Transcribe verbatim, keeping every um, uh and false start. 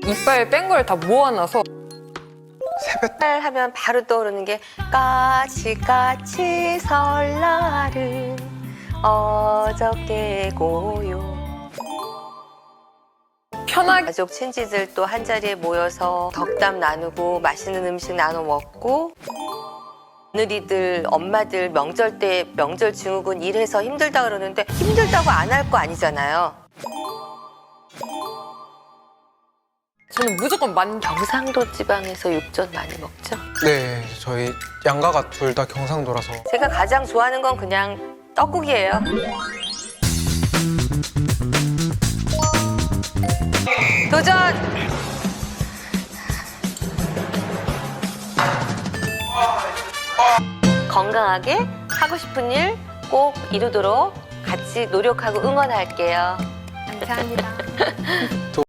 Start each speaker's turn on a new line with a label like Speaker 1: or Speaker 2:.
Speaker 1: 이빨 뺀 걸 다 모아놔서
Speaker 2: 세뱃
Speaker 3: 날 하면 바로 떠오르는 게 까치까치 설날은 어저께고요.
Speaker 1: 편하게
Speaker 3: 가족 친지들 또 한 자리에 모여서 덕담 나누고 맛있는 음식 나눠 먹고, 며느리들 엄마들 명절 때 명절 증후군 일해서 힘들다 그러는데 힘들다고 안 할 거 아니잖아요.
Speaker 1: 저는 무조건 만
Speaker 3: 경상도 지방에서 육전 많이 먹죠.
Speaker 2: 네, 저희 양가가 둘 다 경상도라서
Speaker 3: 제가 가장 좋아하는 건 그냥 떡국이에요. 도전! 건강하게 하고 싶은 일 꼭 이루도록 같이 노력하고 응원할게요.
Speaker 1: 감사합니다.